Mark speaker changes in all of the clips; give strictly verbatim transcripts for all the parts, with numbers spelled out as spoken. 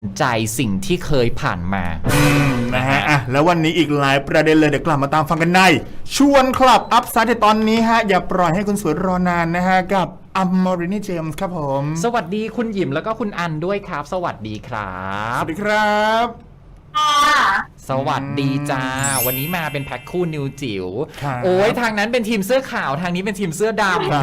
Speaker 1: ใจสิ่งที่เคยผ่านมา
Speaker 2: อืมนะฮะอ่ะแล้ววันนี้อีกหลายประเด็นเลยเดี๋ยวกลับมาตามฟังกันในชวนคลับอัพไซด์ในตอนนี้ฮะอย่าปล่อยให้คุณสวยรอนานนะฮะกับอัมมอรินีเจมส์ครับผม
Speaker 1: สวัสดีคุณหยิมแล้วก็คุณอันด้วยครับสวัสดีครับ
Speaker 2: สวัสดีครับ
Speaker 1: สวัสดีจ้าวันนี้มาเป็นแพ็คคู่นิวจิ๋วโอ้ยทางนั้นเป็นทีมเสื้อขาวทางนี้เป็นทีมเสื้อด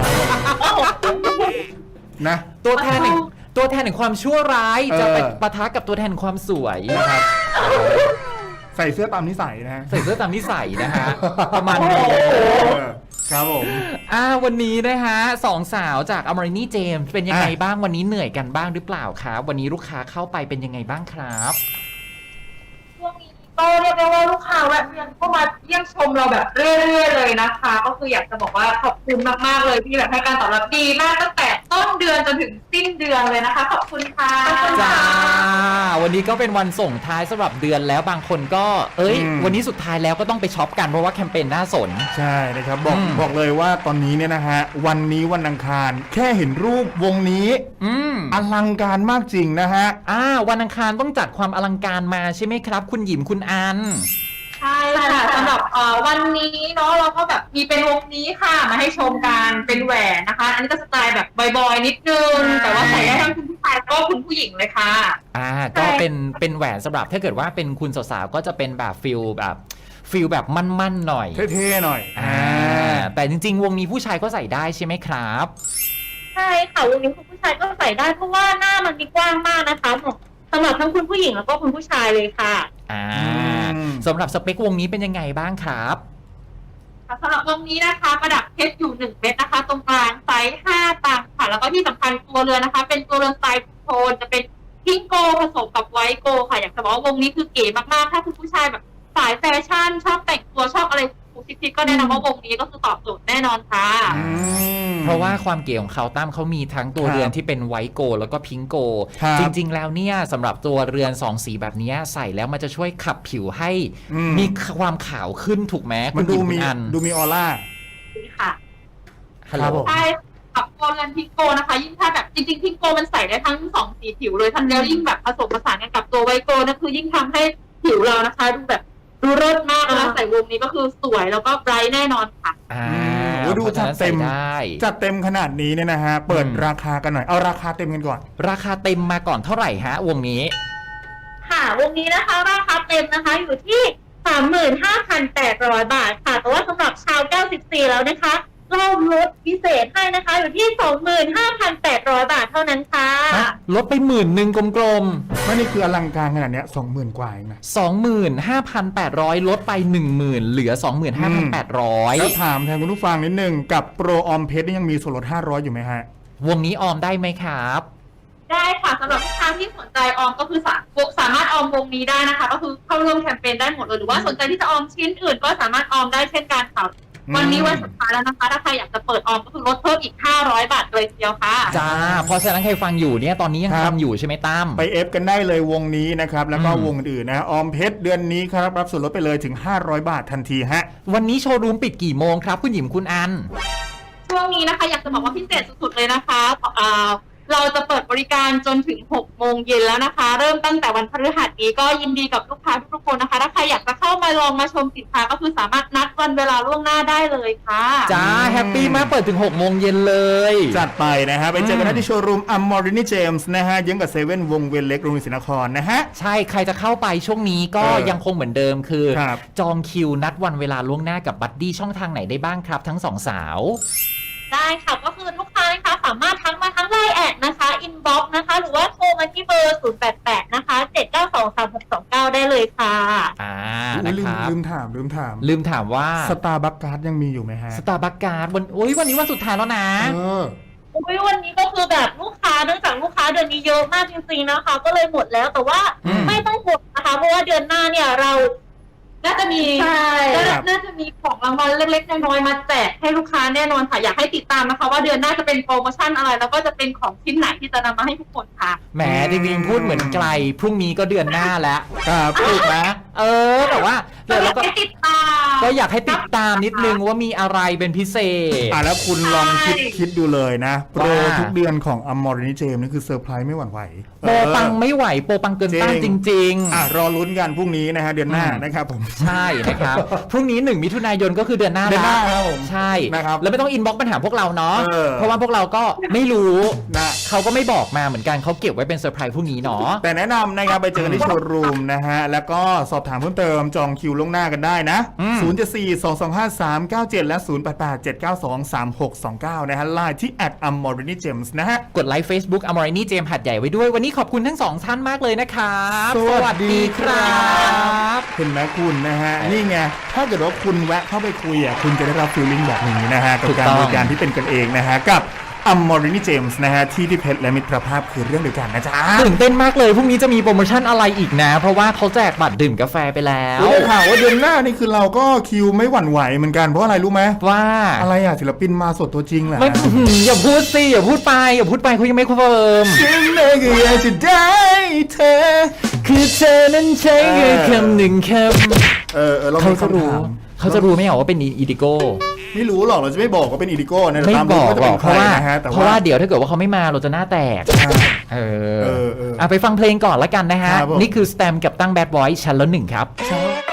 Speaker 2: ำนะ
Speaker 1: ตัวแทนแห่งตัวแทนแห่งความชั่วร้ายจะไปปะทะกับตัวแทนความสวยนะครับ
Speaker 2: ใส่เสื้อตามนิสัยนะ
Speaker 1: ใส่เสื้อตามนิสัยนะฮะประมาณนี้
Speaker 2: ครับผม
Speaker 1: อ่าวันนี้นะฮะสองสาวจากอมรินีเจมส์เป็นยังไงบ้างวันนี้เหนื่อยกันบ้างหรือเปล่าครับวันนี้ลูกค้าเข้าไปเป็นยังไงบ้างครับ
Speaker 3: ช่วงนี้ก็เรียกได้ว่าลูกค้าแวะเวียนเข้ามาเยี่ยมชมเราแบบเรื่อยๆเลยนะคะก็คืออยากจะบอกว่าขอบคุณมากๆเลยที่แบบให้การตอบรับดีมากตั้งแต่ต้นเดือนจนถึงสิ้นเดือนเลยนะคะขอบคุณค่ะ
Speaker 1: จ้าวันนี้ก็เป็นวันส่งท้ายสำหรับเดือนแล้วบางคนก็เอ้ยวันนี้สุดท้ายแล้วก็ต้องไปช็อปกันเพราะว่าแคมเปญน่าสน
Speaker 2: ใช่นะครับบอกบอกเลยว่าตอนนี้เนี่ยนะฮะวันนี้วันอังคารแค่เห็นรูปวงนี้อลังการมากจริงนะฮะ
Speaker 1: อ่าวันอังคารต้องจัดความอลังการมาใช่ไหมครับคุณหยิมคุณอัน
Speaker 3: ใช่ค่ะสำหรับวันนี้เนาะเราก็แบบมีเป็นวงนี้ค่ะมาให้ชมกันเป็นแหวนนะคะอันนี้ก็สไตล์แบบบอยๆนิดนึงแต่ว่าใส่ได้ทั้งคุณผู้ชายก็คุณผู้หญิงเลยค่ะ
Speaker 1: อ่าก็เป็นเป็นแหวนสำหรับถ้าเกิดว่าเป็นคุณสาวๆก็จะเป็นแบบฟิลแบบฟิลแบบมั่นๆหน่อย
Speaker 2: เท่ๆหน่อย
Speaker 1: อ่าแต่จริงๆวงนี้ผู้ชายก็ใส่ได้ใช่ไหมครับ
Speaker 3: ใช่ค่ะวงนี้คุณผู้ชายก็ใส่ได้เพราะว่าหน้ามันมีกว้างมากนะคะสำหรับทั้งคุณผู้หญิงแล้วก็คุณผู้ชายเลยค่ะ
Speaker 1: อ่าสำหรับสเปควงนี้เป็นยังไงบ้างครับ
Speaker 3: สำหรับวงนี้นะคะประดับเพชรอยู่หนึ่งเม็ดนะคะตรงกลางไซส์ห้าตังค์ค่ะแล้วก็ที่สำคัญตัวเรือนนะคะเป็นตัวเรือนสไตล์โทนจะเป็นพิงโกผสมกับไวท์โกค่ะอยากจะบอกว่าวงนี้คือเก๋มากๆถ้าคุณผู้ชายแบบสายแฟชั่นชอบแต่งตัวชอบอะไรซิกๆก็แนะนำว่าวงนี้ก็คือตอบโจทย์แน่นอนค่ะ
Speaker 1: เพราะว่าความเก๋ของเขาตั้มเขามีทั้งตัวเรือนที่เป็นไวท์โกแล้วก็พิงโกจริงๆแล้วเนี่ยสำหรับตัวเรือนสองสีแบบนี้ใส่แล้วมันจะช่วยขับผิวให้มีความขาวขึ้นถูกไหม
Speaker 2: มันดูมีดูมีออร่า
Speaker 3: ค่ะ
Speaker 1: ฮัลโหล
Speaker 3: ใช่กับตัวเรือนพิงโกนะคะยิ่งถ้าแบบจริงๆพิงโกมันใส่ได้ทั้งสองสีผิวเลยทันแล้วยิ่งแบบผสมผสานกันกับตัวไวท์โกนั่นคือยิ่งทำให้ผิวเรานะคะดูแบบดูเลิศมากนะใส่วงนี้ก็คือสวยแล้วก็ไบรท์แน่นอนค่ะ
Speaker 1: อ่า
Speaker 2: ดูจัดเต็มจัดเต็มขนาดนี้เนี่ยนะฮะเปิดราคากันหน่อยเอาราคาเต็มกันก่อน
Speaker 1: ราคาเต็มมาก่อนเท่าไหร่ฮะวงนี้
Speaker 3: ค่ะวงนี้นะคะราคาเต็มนะคะอยู่ที่ สามหมื่นห้าพันแปดร้อย บาทค่ะแต่ว่าสำหรับชาวเก้าสิบสี่แล้วนะคะเราลดพิเศษให้นะคะอยู่ที่ สองหมื่นห้าพันแปดร้อย บาทเท่านั้นค่ะ
Speaker 1: ลดไปหมื่นหนึ่งกลม
Speaker 2: ๆไม่นี่คืออลังการขนาดเนี้ย สองหมื่น กว่าเองนะ
Speaker 1: สองหมื่นห้าพันแปดร้อย ลดไป หนึ่งหมื่น เหลือ สองหมื่นห้าพันแปดร้อย
Speaker 2: แล้วถามแทนคุณผู้ฟังนิดนึงกับโปรออมเพชรนี่ยังมีส่วนลดห้าร้อยอยู่ไหมฮะ
Speaker 1: วงนี้ออมได้ไหมครับ
Speaker 3: ได้ค่ะสำหรับลูกค้าที่สนใจออมก็คือสามารถออมวงนี้ได้นะคะก็คือเข้าร่วมแคมเปญได้หมดเลยหรือว่าสนใจที่จะออมชิ้นอื่นก็สามารถออมได้เช่นกันค่ะวันนี้วันสุดท้ายแล้วนะคะถ้าใครอยากจะเปิดออมก็คือลดเพิ่มอีกห้าร้อยบาทเลยทีเดียวค่ะ
Speaker 1: จ้าพอฉะนั้นใครฟังอยู่เนี่ยตอนนี้ยังทำอยู่ใช่ไหมตั้ม
Speaker 2: ไปเอฟกันได้เลยวงนี้นะครับแล้วก็วงอื่นๆนะออมเพชรเดือนนี้ครับรับส่วนลดไปเลยถึงห้าร้อยบาททันทีฮะ
Speaker 1: วันนี้โชว์รูมปิดกี่โมงครับคุณหยิมคุณอัน
Speaker 3: ช่วงนี้นะคะอยากจะบอกว่าพิเศษสุดๆเลยนะคะเราจะเปิดบริการจนถึงหกโมงเย็นแล้วนะคะเริ่มตั้งแต่วันพฤหัสนี้ก็ยินดีกับลูกค้าทุกคนนะคะถ้าใครอยากจะเข้ามาลองมาชมสินค้าก็คือสามารถนัดวันเวลาล่วงหน้าได้เลยค่ะ
Speaker 1: จ้าแฮปปี้มากเปิดถึงหกโมงเย็นเลย
Speaker 2: จัดไปนะฮะไปเจอกันที่โชว์รูมอัมมอรินีเจมส์นะฮะยังกับเซเว่นวงเวียนเล็กโรงเรียนศรีนครนะฮะ
Speaker 1: ใช่ใครจะเข้าไปช่วงนี้ก็ยังคงเหมือนเดิมคือจองคิวนัดวันเวลาล่วงหน้ากับบัดดี้ช่องทางไหนได้บ้างครับทั้งสองสาว
Speaker 3: ได้ค่ะก็คือลูกค้านะคะสามารถทักมาทั้งไลน์แอดนะคะอินบ็อกซ์นะคะหรือว่าโทรมาที่เบอร์ศูนย์ แปด แปดนะคะเจ็ด เก้า สอง สาม หก สอง เก้าได้เลยค่ะ
Speaker 1: อ่านะครับ
Speaker 2: ลืมถามลืมถาม
Speaker 1: ลืมถามว่า
Speaker 2: สตาร์บัคการ์ดยังมีอยู่ไหมฮะ
Speaker 1: สตาร์บัคการ์ดวันโอ้ยวันนี้วันสุดท้ายแล้วนะ
Speaker 2: เออ
Speaker 3: โอ้ยวันนี้ก็คือแบบลูกค้าเนื่องจากลูกค้าเดือนนี้เยอะมากจริงๆนะคะก็เลยหมดแล้วแต่ว่าไม่ต้องห่วงนะคะเพราะว่าเดือนหน้าเนี่ยเราน่าจะมีน่าจะมีของรางวัลเล็กๆน้อยๆมาแจกให้ลูกค้าแน่นอนค่ะอยากให้ติดตามนะคะว่าเดือนหน้าจะเป็นโปรโมชั่นอะไรแล้วก็จะเป็นของชิ้นไหนที่จะนำมาให้ทุกคนค่ะ
Speaker 1: แหมจริงๆพูดเหมือนไกลพรุ่งนี้ก็เดือนหน้าแล้ว
Speaker 2: ครับ
Speaker 1: ถูกไหมเออแต่ว่า
Speaker 3: เดี๋ยวเราก็ติดตาม
Speaker 1: ก็อยากให้ติดตามนิดนึงว่ามีอะไรเป็นพิเศษ
Speaker 2: อ่ะแล้วคุณลองคิด
Speaker 3: ใช่
Speaker 2: คิดดูเลยนะ โปร
Speaker 1: ว่า
Speaker 2: ทุกเดือนของอมอรินีเจมนี่คือเซอร์ไพรส์ไม่หวั่นไหว
Speaker 1: โปรปังไม่ไหวโปรปังเกินต้านจริง
Speaker 2: อ่ะรอลุ้นกันพรุ่งนี้นะฮะเดือนหน้า
Speaker 1: อืม
Speaker 2: นะครับผม
Speaker 1: ๆ ใช่นะครับ พรุ่งนี้หนึ่งมิถุนายนก็คือเดือนหน้า
Speaker 2: เดือนหน้า
Speaker 1: ละ
Speaker 2: ครับผม
Speaker 1: ใช่
Speaker 2: นะครับ
Speaker 1: แล้วไม่ต้องอินบ็อกซ์ปัญหาพวกเราเนาะ
Speaker 2: เออ
Speaker 1: เพราะว่าพวกเราก็ไม่รู้
Speaker 2: นะ
Speaker 1: เขาก็ไม่บอกมาเหมือนกันเขาเก็บไว้เป็นเซอร์ไพรส์พรุ่งนี้เนาะ
Speaker 2: แต่แนะนำนะครับไปเจอกันที่โชว์รูมนะฮะ แล้วก็สอบถามเพิ่มเติมจองคิวล่วงหน้ากันได้นะ
Speaker 1: อืม
Speaker 2: ศูนย์ เจ็ด สี่ สอง สอง ห้า สาม เก้า เจ็ด และ ศูนย์ แปด แปด เจ็ด เก้า สอง สาม หก สอง เก้า นะฮะไลน์ที่ แอท อมอรินีเจมส์ นะฮะ
Speaker 1: กดไลค์ Facebook อมรินีเจมหัดใหญ่ไว้ด้วยวันนี้ขอบคุณทั้งสองท่านมากเลยนะครับ
Speaker 2: สวัสดีครับ
Speaker 1: บ
Speaker 2: เห็นไหมคุณนะฮะ นี่ไง ถ้าเกิดว่าคุณแวะเข้าไปคุยอ่ะคุณจะได้รับฟีลลิ่งแบบนี้นะฮะ กับ
Speaker 1: ถูก
Speaker 2: การ
Speaker 1: ต้อง
Speaker 2: บริการที่เป็นกันเองนะฮะ กับอมอรินีเจมส์นะฮะ ที่ที่เพชรและมิตรภาพคือเรื่องเดียวกันนะจ๊ะ
Speaker 1: ตื่นเต้นมากเลยพรุ่งนี้จะมีโปรโมชั่นอะไรอีกนะ เพราะว่าเขาแจกบัตรดื่มกาแฟไปแล้ว
Speaker 2: รู้ได้ข่าวว่าเดือนหน้านี่คือเราก็คิวไม่หวั่นไหวเหมือนกันเพราะอะไรรู้ไหม
Speaker 1: ว่า
Speaker 2: อะไรอ่ะศิลปินมาสดตัวจริงแหละ
Speaker 1: ไม่อื้อหืออย่าพูดสิอย่าพูดไปอย่าพูดไปเขายังไม่คอนเฟิร์ม
Speaker 2: ฉันเองก็อยากจะได้เธอ
Speaker 1: คือเธอนั้นใช้แค่คำหนึ่งค
Speaker 2: เออเออเรา
Speaker 1: ำเขา
Speaker 2: มี
Speaker 1: จะ
Speaker 2: คำ
Speaker 1: รู้
Speaker 2: ถาม
Speaker 1: เขาจะรู้ไหมเหรอว่าเป็นอีดิโก้
Speaker 2: ไม่รู้หรอกเราจะไม่บอกว่าเป็นอีดิโก้นะ
Speaker 1: ไม่
Speaker 2: ตาม
Speaker 1: บ
Speaker 2: ดู
Speaker 1: อก
Speaker 2: ว่าจะ
Speaker 1: หร
Speaker 2: เป็
Speaker 1: อก
Speaker 2: น
Speaker 1: เพ
Speaker 2: ใคร
Speaker 1: ราะว่า
Speaker 2: นะฮะแต่
Speaker 1: เพราะว่าเดี๋ยวถ้าเกิดว่าเขาไม่มาเราจะหน้าแตก
Speaker 2: ใช่
Speaker 1: เออ
Speaker 2: เออเออ
Speaker 1: อ่ะไปฟังเพลงก่อนละกันนะฮะ
Speaker 2: ครับผม
Speaker 1: นี่คือสแตมกับตั้งแบดบอยชั้นละหนึ่งครับ
Speaker 2: ใช่